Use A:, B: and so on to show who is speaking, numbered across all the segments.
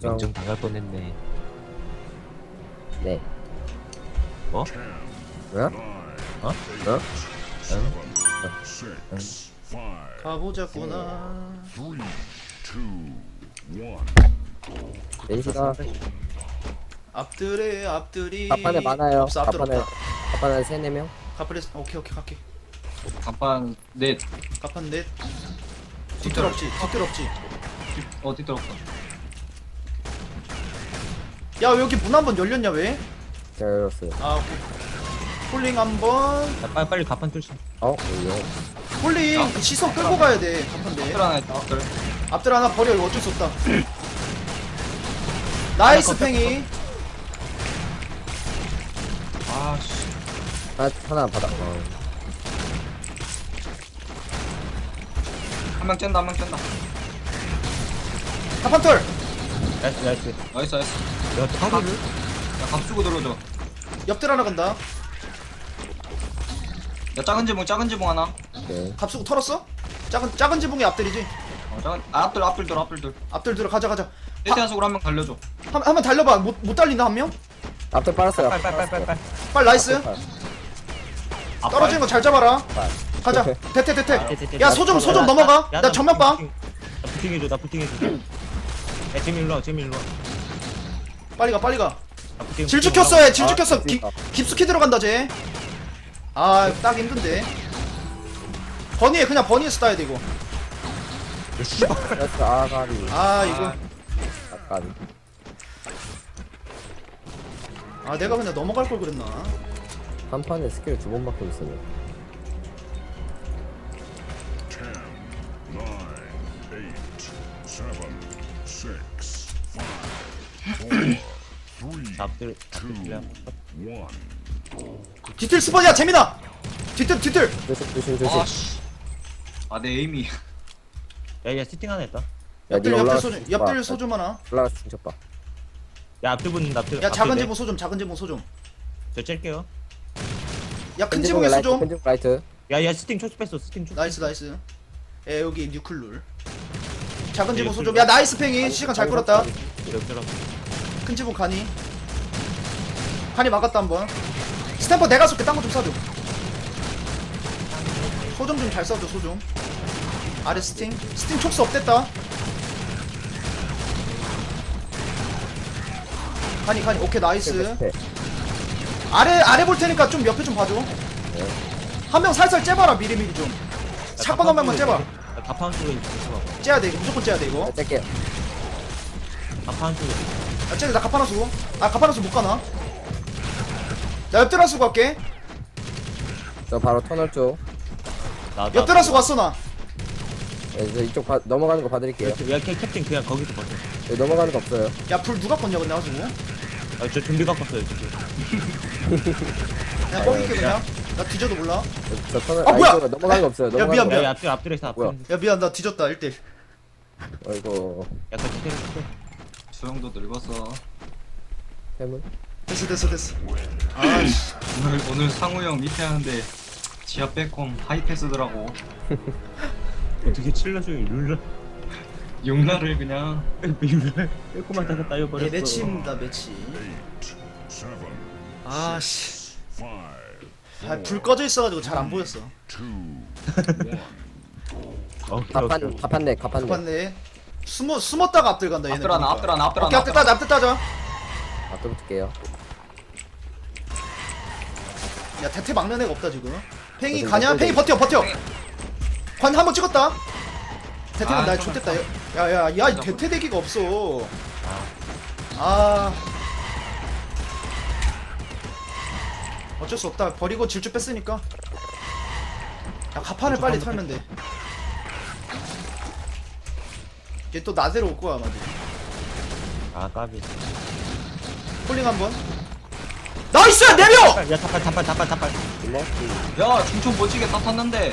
A: 명정 당할 뻔했네.
B: 네.
A: 어?
B: 뭐야?
A: 어?
B: 어?
C: 가보자꾸나.
B: 넷이다.
C: 앞들에 앞들이.
B: 가판에 많아요.
C: 없어, 앞들
B: 가판에
C: 없다.
B: 가판에 3-4명.
C: 가판에 오케이 갈게.
D: 간판 넷
C: 가판 넷. 뒤뜰 없지.
D: 어디 들었어?
C: 야 여기 문 한 번 열렸냐 왜?
B: 제가 열었어요.
C: 아 오케이. 폴링 한 번.
A: 야, 빨리 가판 뚫자.
B: 여기요.
C: 폴링 그 시선 끌고 가야 돼. 가판 넷.
D: 앞들 하나 있다. 앞들.
C: 앞들 하나 버려. 이거 어쩔 수 없다. 나이스 팽이.
D: 아씨.
B: 하나 받아.
D: 한 명 짠다. 한 명 짠다.
C: 가판 털.
A: 나이스.
D: 나이스.
A: 야, 타구를?
D: 야, 각 주고 들어줘.
C: 옆들 하나 간다.
D: 야, 작은 지붕 하나.
B: 오케이.
C: 갑수고 털었어? 작은 지붕이 앞들이지.
D: 작은 앞들 들어.
C: 앞들 들어 가자.
D: 세트한 속으로 한 명 달려줘.
C: 한번 달려봐. 못 달린다 한 명?
B: 앞에 빨았어요.
A: 빨리.
C: 빨리 나이스. 떨어지는 거 잘 잡아라.
B: 빨.
C: 가자. 대퇴.
A: 대.
C: 야 소좀 넘어가. 나 정면 봐.
A: 나 부팅해줘. 야, 재미 일로 와.
C: 빨리 가.
A: 나 부팅,
C: 질주
A: 부팅
C: 켰어. 질주 켰어.
B: 그러니까.
C: 깊숙이 들어간다 쟤. 아 딱 힘든데. 버니에서 따야 돼 이거.
B: 그래서 아가리.
C: 아 이거.
B: 아가리.
C: 아 내가 그냥 넘어갈 걸 그랬나.
B: 한 판에 스킬 2번밖에 없어요.
A: 앞들 필요.
C: 뒤틀 스펀이야 재민아. 뒤틀.
B: 조심.
D: 아씨. 아, 내 에임이.
A: 야, 세팅 하나 했다.
C: 옆들
B: 올라가.
C: 옆들 소좀 하나.
B: 올라가서 중첩봐.
A: 야, 앞들 붙는다.
C: 야 작은 지붕 소좀.
A: 저 짤게요.
C: 야 큰 지붕에 소좀.
B: 큰 지붕 라이트.
A: 야, 스팅 초스 뺐어. 스팅 초스.
C: 나이스. 에 여기 뉴클룰. 작은 지붕 소좀. 야 나이스 팽이 시간 잘 끌었다.
A: 이렇게.
C: 큰 지붕 가니 막았다 한번. 스탬퍼 내가 쏠게. 딴 거 좀 쏴줘. 소좀 좀 잘 쏴줘. 소좀 아래 스팅 촉수 없댔다. 가니 오케이 나이스. 아래 볼 테니까 좀 옆에 좀 봐줘. 한 명 살살 째봐라. 미리 좀 사건 한 명만 째봐.
A: 가판 쪽에 있어.
C: 째야 돼 이거. 무조건 째야 돼 이거.
B: 짤게요.
A: 가판 쪽에.
C: 야 째야 돼. 나 가파나 쓰고. 가파나 쓰고 못 가나. 나 옆드라 쓰고 갈게.
B: 저 바로 터널 쪽.
C: 옆드라 쓰고 왔어 나.
B: 네, 저 이쪽 넘어가는 거 봐드릴게요.
A: 야, 캡틴 그냥 거기서 버텨.
B: 여기 넘어가는 거 없어요.
C: 야 불 누가 껐냐 근데 가지고.
A: 아, 저 준비 갖고 왔어요, 지금.
C: 그냥 뻥일게 그냥. 나 뒤져도 몰라.
B: 저 터널.
C: 아, 뭐야!
B: 이쪽으로 넘어가는 거 없어요.
C: 야,
B: 넘어가는
C: 미안.
B: 거.
A: 야, 앞들에 있어.
B: 뭐야?
A: 앞에.
C: 야 미안 나 뒤졌다 1대1.
B: 어이구.
A: 약간 디테일.
D: 수영도 늙었어.
B: 해물.
C: 됐어. 아씨.
D: 오늘 상우 형 밑에 하는데 지하 백홈 하이패스더라고.
A: 어떻게 칠러중이 룰러.
D: 용나를 그냥.
A: 룰러. 빼고만 다가 따여버렸어.
C: 매치입니다 매치. 아씨. 불 꺼져 있어가지고 잘 안 보였어.
A: 오케이.
B: 가판네.
C: 봤네. 숨었다가 앞들 간다 얘네.
D: 앞들 하나.
C: 오케이 앞들 따자.
B: 앞에 붙을게요.
C: 야 대퇴 막는 애가 없다 지금. 팽이
B: 어디,
C: 가냐?
B: 어디?
C: 팽이 버텨. 관 한 번 찍었다. 대퇴는
D: 아,
C: 날 좆됐다. 야이 대퇴 대기가 없어. 아. 어쩔 수 없다. 버리고 질주 뺐으니까. 야 가판을 빨리 털면 돼. 얘 또 나대로 올 거야 아마도.
A: 아, 까비.
C: 폴링 한 번. 나이스! 내려!
A: 야, 타팔.
B: 이모.
D: 야, 중촌 멋지게 다 탔는데.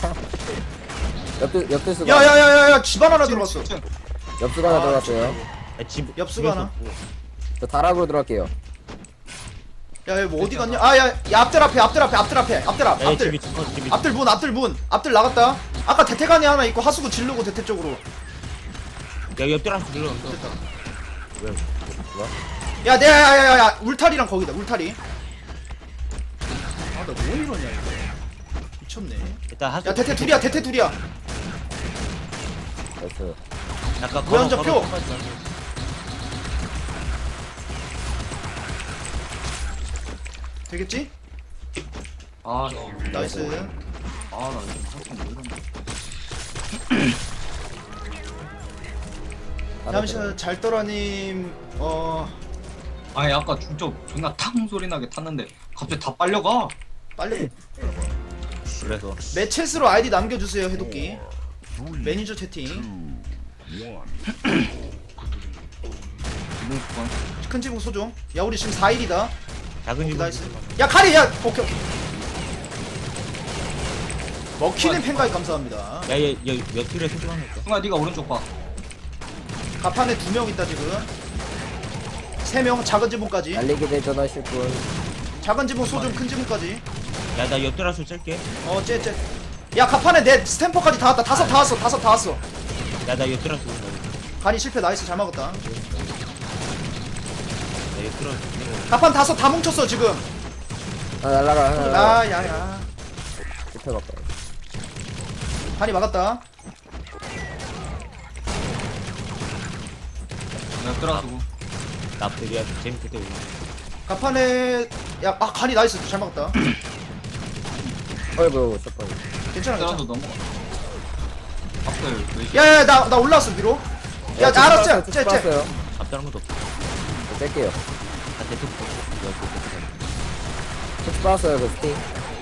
B: 옆수가.
C: 야야야야야 집안 하나 들어갔어.
B: 옆수가 하나 들어갔어요.
A: 야, 집.
C: 옆수가 하나.
B: 저 다락으로 들어갈게요.
C: 야, 뭐 어디 갔냐? 아, 야, 앞들 앞에.
A: 야, 집이 집이.
C: 앞들 문. 앞들 나갔다. 아까 대퇴관이 하나 있고 하수구 질르고 대퇴 쪽으로.
A: 야, 옆들한테 눌러.
C: 됐다.
B: 왜? 뭐야?
C: 야, 야야야야 울타리랑 거기다 울타리. 아 나 뭐 이러냐 이거. 미쳤네.
A: 일단 한.
C: 야 대퇴 둘이야 대퇴 둘이야.
B: 나이스.
A: 약간
C: 무한정 표. 되겠지?
D: 아
C: 나이스.
D: 아나 지금 살짝 모르겠네.
C: 잠시만 잘떠라님
D: 아니 아까 중첩 존나 탕 소리 나게 탔는데 갑자기 다 빨려가.
C: 빨리
A: 그래서
C: 매챗으로 아이디 남겨주세요 해독기. 매니저 채팅.
D: 이번 건
C: 큰 지붕 소종. 야 우리 지금 4일이다.
A: 작은 집.
C: 나이스. 야 카리 야 오케이 오케이. 먹히는 팬가입 감사합니다.
A: 야얘몇 킬에 소중한 거.
D: 승아 네가 오른쪽 봐.
C: 가판에 2명 있다 지금. 3명 작은 지붕까지.
B: 날리기 대전하실 분.
C: 작은 지붕 소종 큰 지붕까지.
A: 야나 옆돌아서 짤게.
C: 쟤. 야 가판에 내 스탬퍼까지 다 왔다. 다섯 다 왔어.
A: 야나 옆돌아서.
C: 간이 실패 나이스 잘 막았다.
A: 나 옆돌아서.
C: 가판 다섯 다 뭉쳤어 지금.
B: 하나 날라가, 하나 날라가.
C: 야야야.
B: 실패 갖고.
C: 간이 막았다.
D: 내가 끌어주고.
A: 나쁘리야 재밌게 때.
C: 가판에 간이 나이스 잘 막았다.
B: 어이구, 샷건.
C: 괜찮아.
D: 끌어서 넘어가. 앞들 왜
C: 야야 나 올라왔어 위로. 야 알았어. 쟤.
B: 았어요
A: 앞다른 것도 없어.
B: 뺄게요.
A: 나 대충 보고.
B: 촉수 빠졌어요, 그 스팅.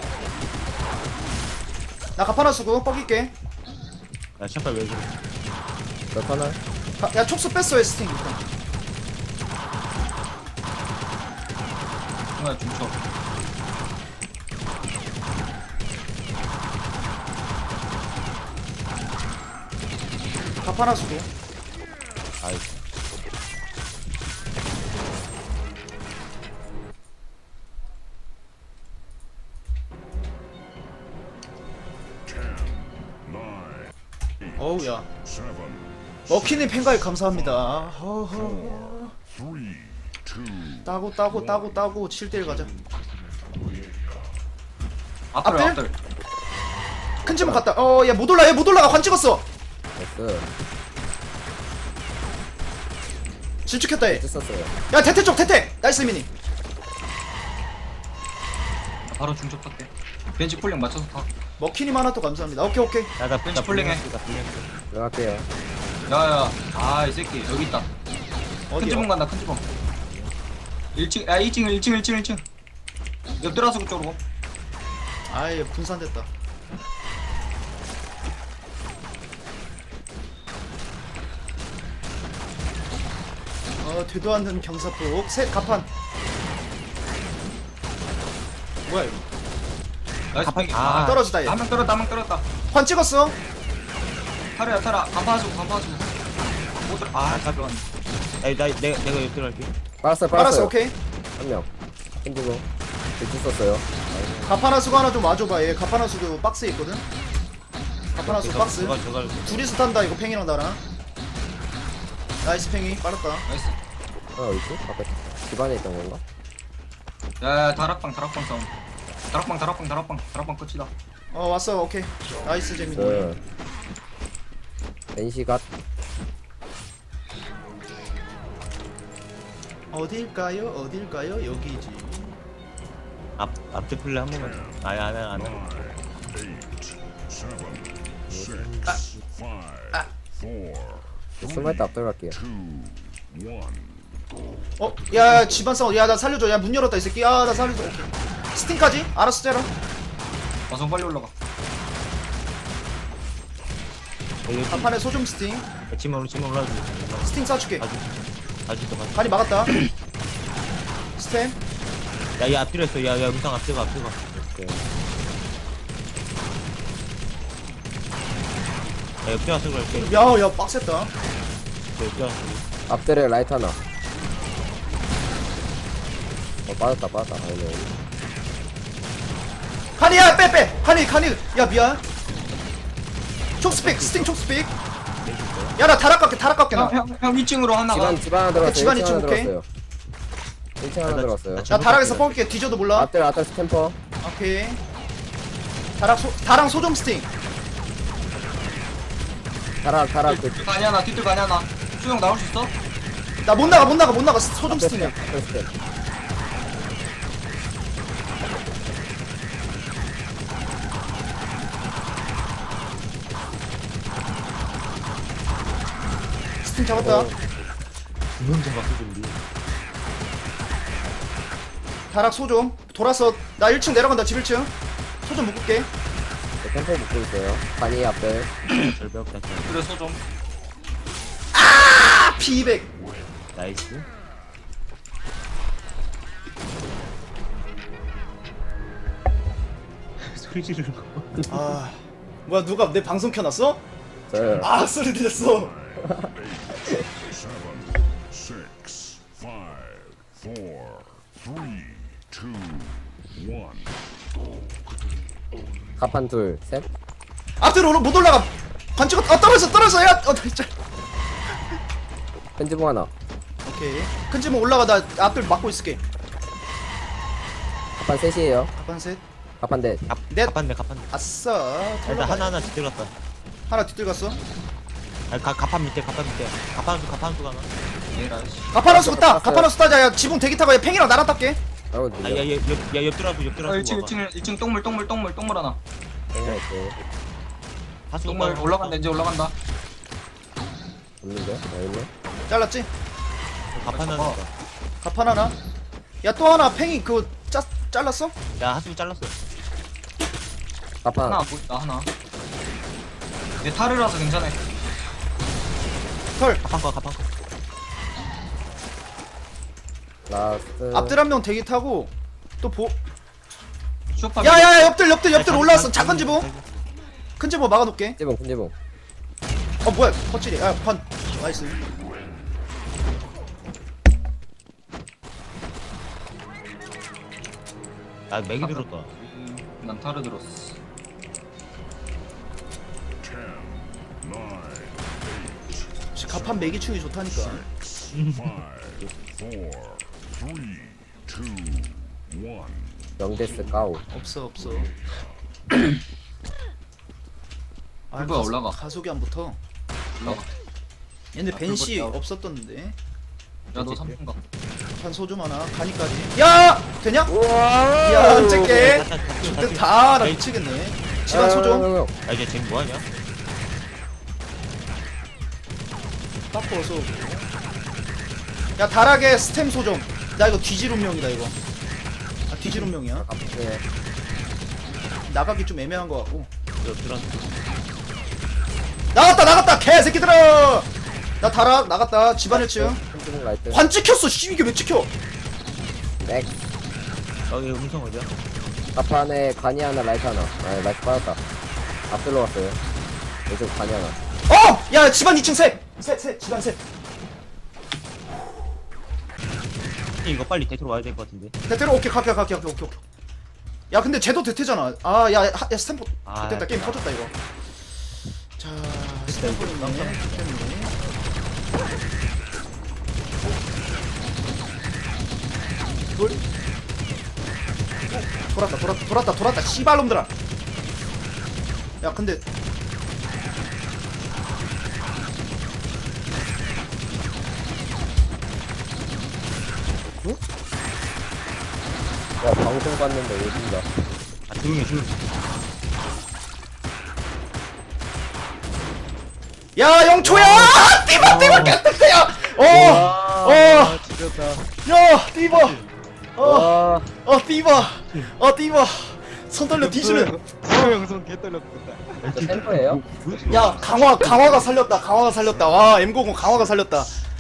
C: 나 가판 하수고 뻑일게.
A: 야 샷발 왜 그래?
B: 몇 하나?
C: 야 촉수 뺐어 스팅 일단.
D: 승아 중첩.
C: 가판 하수고.
A: 아이.
C: 어우야. 먹히는 팬가입 감사합니다. 허허. 따고 7대1 가자.
D: 앞들
C: 앞들?
D: 앞들.
C: 큰 지붕 갔다. 얘 못 올라가 관 찍었어.
B: 나이스.
C: 질축했다 얘.
B: 썼어요.
C: 야 대퇴 쪽 대퇴. 나이스 미니.
D: 바로 중첩 탈게. 벤치 폴링 맞춰서 타.
C: 먹히님 하나 또 감사합니다. 오케이.
A: 야나
D: 벤치 폴링해.
B: 들어갈게요.
D: 야야. 아 이 새끼 여기 있다. 큰 지붕
C: 어디요?
D: 간다 큰 지붕. 1층 야 1층. 옆 들어서 그쪽으로.
C: 아예 분산됐다. 되도 않는 경사폭. 셋 가판. 뭐야 이거?
D: 나이스
A: 가판-
D: 팽이.
A: 아,
C: 떨어지다 얘.
D: 한명 떨었다.
C: 관 찍었어.
D: 타라. 간파하시고. 못 들어. 아 잠깐.
A: 내가 옆돌아갈게.
B: 빨았어요,
C: 빨았어
B: 빨았어요.
C: 오케이.
B: 한 명. 흔들고. 대충 썼어요.
C: 가파나수가 하나 좀 와줘봐. 얘 가파나수도 박스에 있거든. 가파나수 박스.
A: 저걸.
C: 둘이서 탄다 이거 팽이랑 나랑. 나이스 팽이 빨았다.
D: 나이스.
B: 하나 어딨지? 아까 집 안에 있던 건가?
D: 야 다락방 싸움. 다락방 끝이다.
C: 왔어 오케이. 나이스 재민이.
B: 그. NC 갓.
C: 어딜까요? 여기지.
A: 앞뒤 플레이 한 번만. 아니 안 해.
B: 숨을 때 앞들 갈게요.
C: 야 집안 싸워. 야 나 살려줘. 야 문 열었다 이 새끼. 야 나 살려줘. 오케이. 스팅까지? 알았어 째라.
D: 어서 빨리 올라가.
C: 가판에 소좀 스팅.
A: 짐 올라가지.
C: 스팅 쏴줄게.
A: 아주 또
C: 간이 막았다. 스템.
A: 야얘 앞뒤로 했어. 야 음상 앞뒤가. 오케이. 야 옆뒤 와서 그럴게.
C: 야 빡셌다.
A: 옆뒤 와서.
B: 앞들에 라이트 하나. 빠졌다. 아니네.
C: 간이야 빼. 간이. 야 미안. 촉스픽 스팅 촉스픽. 야 나 다락 깎게 나.
D: 형 2층으로 하나가.
B: 집안 하나 들어갔어요.
C: 집안
B: 1층
C: 이쪽
B: 하나
C: 오케이.
B: 들어갔어요. 1층 하나 들어갔어요.
C: 나 다락에서 뻥게 뒤져도 몰라.
B: 앞들 스탬퍼.
C: 오케이. 다랑 소좀 스팅.
B: 타락 그
D: 뒤뜰 가냐 나 뒤뜰 가냐 나. 수영 나올 수 있어?
C: 나 못 나가 소좀
B: 앞에
C: 스팅이야.
B: 앞에 스탬.
C: 스팅 잡았다.
A: 두명좀 갖고 준비.
C: 다락 소좀 돌았어. 나 1층 내려간다. 집 1층. 소좀 묶을게.
B: 템포 묶고 있어요. 간이 앞에.
A: 절벽 다
D: 그래 소좀.
C: 아 P200.
A: 나이스. 소리 지르는 거.
C: 아 뭐야 누가 내 방송 켜놨어?
B: 저요.
C: 아 소리 들렸어.
E: 6, 5, 4, 3, 2, 1.
B: 갑판 둘, 셋.
C: 앞뒤로 못 올라가. 관측 떨어져 야. 진짜.
B: 편지봉 하나.
C: 오케이. 큰 집은 올라가. 나 앞들 막고 있을게.
B: 갑판 셋이에요.
C: 가판 셋.
B: 갑판 넷.
C: 넷.
A: 갑판네 갑판.
C: 아싸.
A: 일단 하나 들어갔다.
C: 하나 뒤뜰 갔어.
A: 아 갑판 밑에 갑판 수 하나.
D: 얘라 씨.
C: 가파라스 붙다. 가파라스 따자. 야 지붕 대기 타고 야 팽이랑 나랑 닦게.
B: 아우
A: 아
B: 들려.
A: 야야 옆들어서
D: 아 1층 똥물 하나.
B: 땡겨있고.
D: 똥물 올라간다 이제 올라간다.
B: 없는데? 나 있네.
C: 잘랐지?
A: 갑판 하나.
C: 가판 하나. 야 또 하나 팽이 그거 잘랐어?
A: 야 하수 잘랐어.
B: 갑판.
D: 하나 안 보인다 하나. 내 타르라서 괜찮아.
C: 털.
A: 갑판 거.
B: 라스트.
C: 앞들 한 명 대기 타고 또 보.
D: 쇼파.
C: 야야야 옆들 올라왔어. 작은 지붕. 큰 지붕 막아놓게.
B: 편지봉.
C: 어 뭐야 퍼치리. 야판 나이스.
A: 야 맥이 들었다.
D: 난 타르 들었어.
E: 10, 9,
C: 가판 매기충이 좋다니까.
E: 5, 4, 3, 2, 1.
B: 영데스 까우.
C: 없어.
D: 불부가 올라가.
C: 가속이 안 붙어.
D: 올라가.
C: 얘네
D: 아,
C: 벤시
D: 불부가
C: 없었던데.
D: 야너 3분 가.
C: 판 소좀 하나. 간이까지. 야 되냐?
B: 우와.
C: 야 어쨌게.
A: 다시.
C: 그때 다나 미치겠네. 집안 소좀.
A: 야 이제 쟤 뭐하냐?
C: 바꿔서. 야 다락에 스템 소좀. 나 이거 뒤질 운명이다 이거. 아 뒤질 운명이야.
B: 네.
C: 나가기 좀 애매한 거 같고.
A: 옆들어.
C: 나갔다 개새끼들아. 나 다락 나갔다. 집안 1층.
B: 편지봉 라이트.
C: 관 찍혔어. 씨 이게 왜 찍혀?
B: 넥.
A: 여기 음성 어디야?
B: 갑판에 간이 하나, 라이트 하나. 아, 라이트 빠졌다. 앞들로 갔어요. 이쪽 간이 하나.
C: 야 집안 2층 셋 집안 셋.
A: 이거 빨리 대토로 와야 될 것 같은데.
C: 대테로 오케이 갈게. 야 근데 쟤도 대테잖아. 아야 스탬프.
A: 아,
C: 됐다 게임
A: 야.
C: 터졌다 이거. 자 스탬프 있네. 때문에. 돌았다 씨발놈들아. 야 근데
B: 야, 방송 봤는데 어딘가.
A: 아 조용히.
C: 야 영초야. 띠바 깼다. 야
B: 죽였다.
C: 야 띠바.
B: 와.
C: 띠바. 손 떨려 뒤지는.
B: 저 템퍼예요?
C: 야 강화가 살렸다. 와 M90 강화가 살렸다.